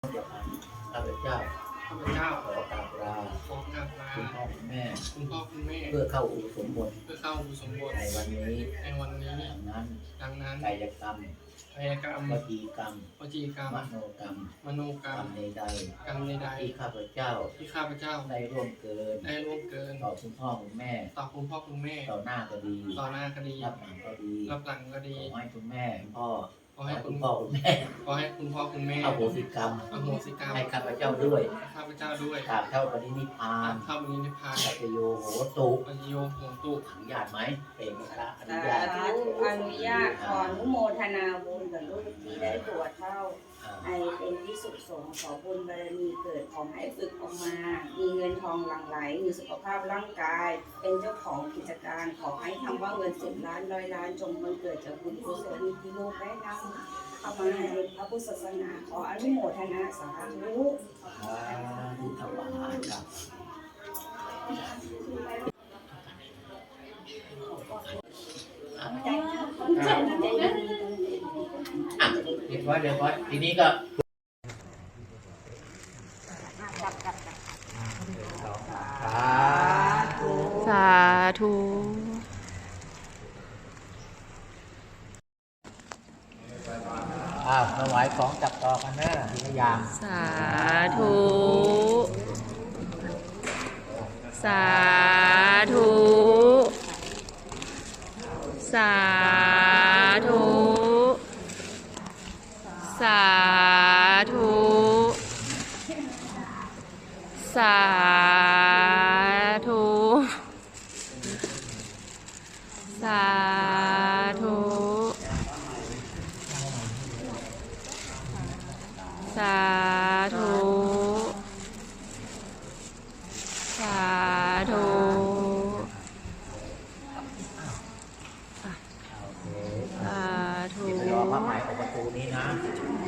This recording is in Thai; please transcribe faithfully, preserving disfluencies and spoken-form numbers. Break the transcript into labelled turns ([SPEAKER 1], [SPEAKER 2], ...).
[SPEAKER 1] ข้าพเจ้า
[SPEAKER 2] ข้าพเจ้า
[SPEAKER 1] ขอกราบลา
[SPEAKER 2] ขอกราบลา
[SPEAKER 1] คุณพ่อคุณแม่
[SPEAKER 2] คุณพ่อคุณแม่
[SPEAKER 1] เพื่อเข้าอุปสมบท
[SPEAKER 2] เพื่อเข้าอุปสมบท
[SPEAKER 1] ในวันนี้
[SPEAKER 2] ในวันนี้
[SPEAKER 1] ดังนั้น
[SPEAKER 2] ดังนั้น
[SPEAKER 1] กายกรรม
[SPEAKER 2] กายกรรม
[SPEAKER 1] วจีกรรม
[SPEAKER 2] วจีกรรม
[SPEAKER 1] มโนกรรม
[SPEAKER 2] มโนกรรม
[SPEAKER 1] กรรมใด
[SPEAKER 2] กรรมใด
[SPEAKER 1] ๆที่ข้าพเจ้า
[SPEAKER 2] ที่ข้าพเจ้า
[SPEAKER 1] ได้ร่วมเกิน
[SPEAKER 2] ได้ร่วมเกิน
[SPEAKER 1] ต่อคุณพ่อคุณแม่
[SPEAKER 2] ต่อคุณพ่อคุณแม่
[SPEAKER 1] ต่อหน้าก็ดี
[SPEAKER 2] ต่อหน้าก็ดี
[SPEAKER 1] รับหลังก็ดี
[SPEAKER 2] รับหลังก็ดี
[SPEAKER 1] ขอให้คุณแม่พ่อ
[SPEAKER 2] ขอให้
[SPEAKER 1] คุณพ่อคุณแม่
[SPEAKER 2] ขอให้คุณพ่อคุณแม่
[SPEAKER 1] อโหสิกรรม
[SPEAKER 2] อโหสิกรรม
[SPEAKER 1] ให้ข้าพเจ้าด้วย
[SPEAKER 2] ข้าพเจ้าด้วย
[SPEAKER 1] กราบเท่าปรินิพพาน
[SPEAKER 2] เข้าปรินิพพาน
[SPEAKER 1] ปัจโยโหตุ
[SPEAKER 2] ปัจโยโหตุ
[SPEAKER 1] อนุญาตไหมเป็นพระอนุญาต
[SPEAKER 3] อนุญาตขออนุโมทนาบุญกับลูกที่ได้บวชเข้าให้เป็นที่สุขสงฆ์ขอบุญบารมีเกิดขอให้ฝึกออกมามีเงินทองหลั่งไหลมีสุขภาพร่างกายเป็นเจ้าของกิจการขอให้ทำว่าเงินสิบล้านร้อยล้านจงมันเกิดจากบุญกุศลที่ลูกได้นำเข้ามาในพระพุทธศาสนาขออนุโมทนาสาธุ
[SPEAKER 1] ทุกถวายครับอ่ะเรียบร้อยเรียบร้อยทีนี้ก็
[SPEAKER 4] สาธุ
[SPEAKER 1] อ้าวถวายของจับต่อกันนะทีละอย่าง
[SPEAKER 4] สาธุสาธุสาธุสาธุสาธุสาธุสาธุสาธุสาธุ
[SPEAKER 1] ไปรอพระหมายของประตูนี้นะ